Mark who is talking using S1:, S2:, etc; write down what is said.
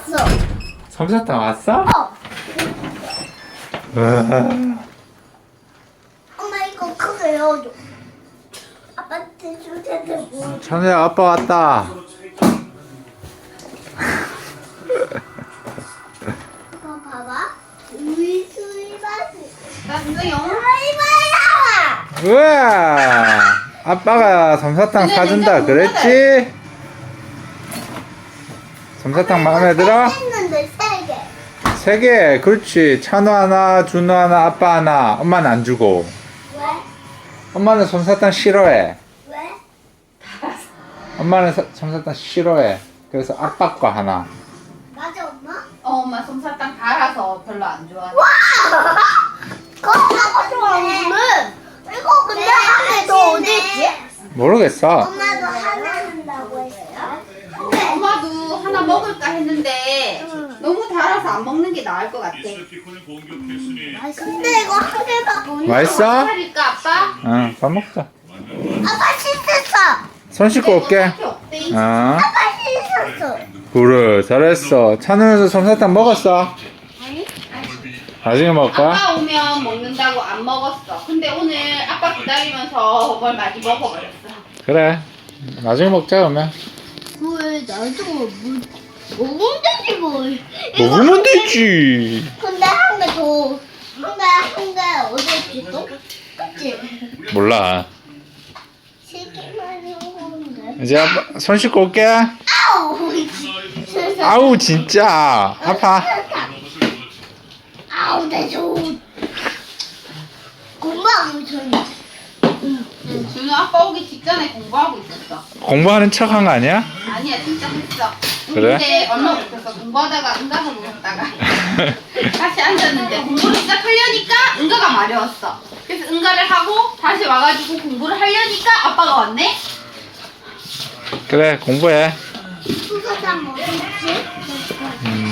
S1: 왔어.
S2: 솜사탕 왔어?
S1: 어.
S2: 우와.
S1: 엄마 이거 크게 열어줘. 아빠한테 줄 텐데 뭐.
S2: 찬우야 아빠 왔다.
S1: 이거 봐봐. 우리 수이바스.
S3: 나 진짜 영어
S1: 수이바스 나와.
S2: 우와. 아빠가 솜사탕
S3: 근데
S2: 사준다
S3: 진짜
S2: 그랬지? 솜사탕 마음에 들어?
S1: 했는데 3개.
S2: 3개. 그렇지. 찬우 하나, 준우 하나, 아빠 하나. 엄마는 안 주고.
S1: 왜?
S2: 엄마는 솜사탕 싫어해.
S1: 왜?
S2: 엄마는 솜사탕 싫어해. 그래서 아빠 거 하나.
S1: 맞아 엄마?
S3: 엄마 솜사탕 달아서 별로 안 좋아해.
S1: 그거 좋아하는. 이거 근데 한 개 더 어디 있지?
S2: 모르겠어.
S1: 엄마도 하나 한다고 했어요? 근데
S3: 엄마도 하나 먹을까 했는데 너무 달아서 안 먹는 게 나을 것 같아.
S1: 근데 이거 한 개밖에 없네.
S2: 맛있어?
S3: 살일까 아빠?
S2: 응, 밥 먹자.
S1: 아빠 씻었어.
S2: 손 씻고 올게.
S3: 밖에 없대.
S2: 어.
S1: 아빠 씻었어.
S2: 그래, 잘했어. 찬우에서 솜사탕 먹었어? 나중에 먹을 거야?
S3: 아빠 오면 먹는다고 안 먹었어. 근데 오늘 아빠 기다리면서 뭘 많이 먹어버렸어.
S2: 그래. 나중에 먹자, 그러면.
S1: 왜 나도 먹으면 되지 뭘.
S2: 먹으면 되지.
S1: 근데 한 개 더. 한 개 어디 있지 또? 그치?
S2: 몰라.
S1: 시기만 먹는데.
S2: 이제 아빠 손 씻고 올게.
S1: 아우!
S2: 아우, 진짜. 아파.
S1: 아우, 내 손. 공부하고 있었네.
S3: 준우 아빠 오기 직전에 공부하고 있었어.
S2: 공부하는 척 한 거 아니야?
S3: 아니야 진짜 했어.
S2: 그래?
S3: 근데 얼마 못했어. 공부하다가 응가가 무섭다가 다시 앉았는데 공부를 시작하려니까 응가가 마려웠어. 그래서 응가를 하고 다시 와가지고 공부를 하려니까 아빠가 왔네.
S2: 그래, 공부해.
S1: 수사장 뭐 있지?